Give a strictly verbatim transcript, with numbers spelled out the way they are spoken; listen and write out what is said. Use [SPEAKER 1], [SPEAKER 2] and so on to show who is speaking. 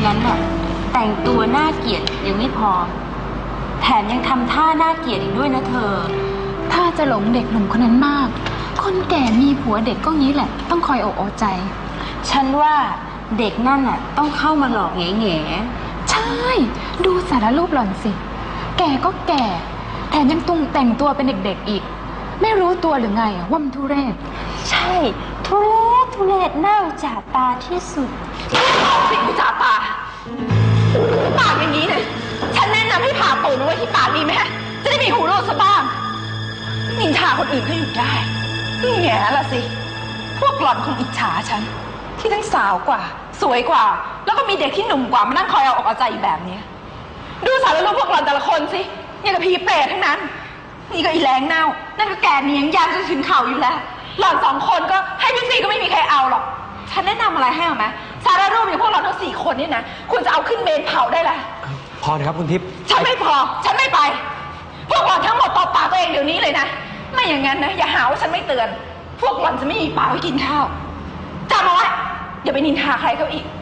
[SPEAKER 1] นั้นน่ะแต่งตัวน่าเกลียดยังไม่พอแถมยังทำท่าน่าเกลียดอีกด้วยนะเธอ
[SPEAKER 2] ถ้าจะหลงเด็กหนุ่มคนนั้นมากคนแก่มีผัวเด็กก็งี้แหละต้องคอยอกเอาใจ
[SPEAKER 1] ฉันว่าเด็กนั่นน่ะต้องเข้ามาหลอกแง่แง่
[SPEAKER 2] ใช่ดูสารรูปหล่อนสิแก่ก็แก่แถมยังตุงแต่งตัวเป็นเด็กๆอีกไม่รู้ตัวหรือไงว่ามันทุเรศ
[SPEAKER 1] ใช่ทุเรศทุเรศน่าอุจจาตาที่สุด
[SPEAKER 3] สิ่งอุจจาตาปากอย่างนี้เนี่ยฉันแนะนำให้ผ่าตูดเอาไว้ที่ปากดีไหมฮะจะได้มีหูรูดซะบ้างนินทาคนอื่นก็อยู่ได้แง่ละสิพวกหล่อนคงอิจฉาฉันที่ทั้งสาวกว่าสวยกว่าแล้วก็มีเด็กที่หนุ่มกว่ามานั่งคอยเอาอกเอาใจอีกแบบนี้ดูสารรูปพวกหล่อนแต่ละคนสิอย่างกับพีเปรตทั้งนั้นนี่ก็อีแรงเน่านั่นก็แกเนียงยางจนถึงเข่าอยู่แล้วหล่อนสองคนก็ให้พี่ซีก็ไม่มีใครเอาหรอกฉันแนะนำอะไรให้เอาไหมสารรูปอย่างพวกเราทั้งสี่คนนี่นะคุณจะเอาขึ้นเมนเผาได้ละ
[SPEAKER 4] พอนะครับคุณทิพย์
[SPEAKER 3] ฉันไม่พอฉันไม่ไปพวกหล่อนทั้งหมดตบปากตัวเองเดี๋ยวนี้เลยนะไม่อย่างนั้นนะอย่าหาว่าฉันไม่เตือนพวกหล่อนจะไม่มีปากไว้กินข้าวจำเอาไว้อย่าไปนินทาใครเขาอีก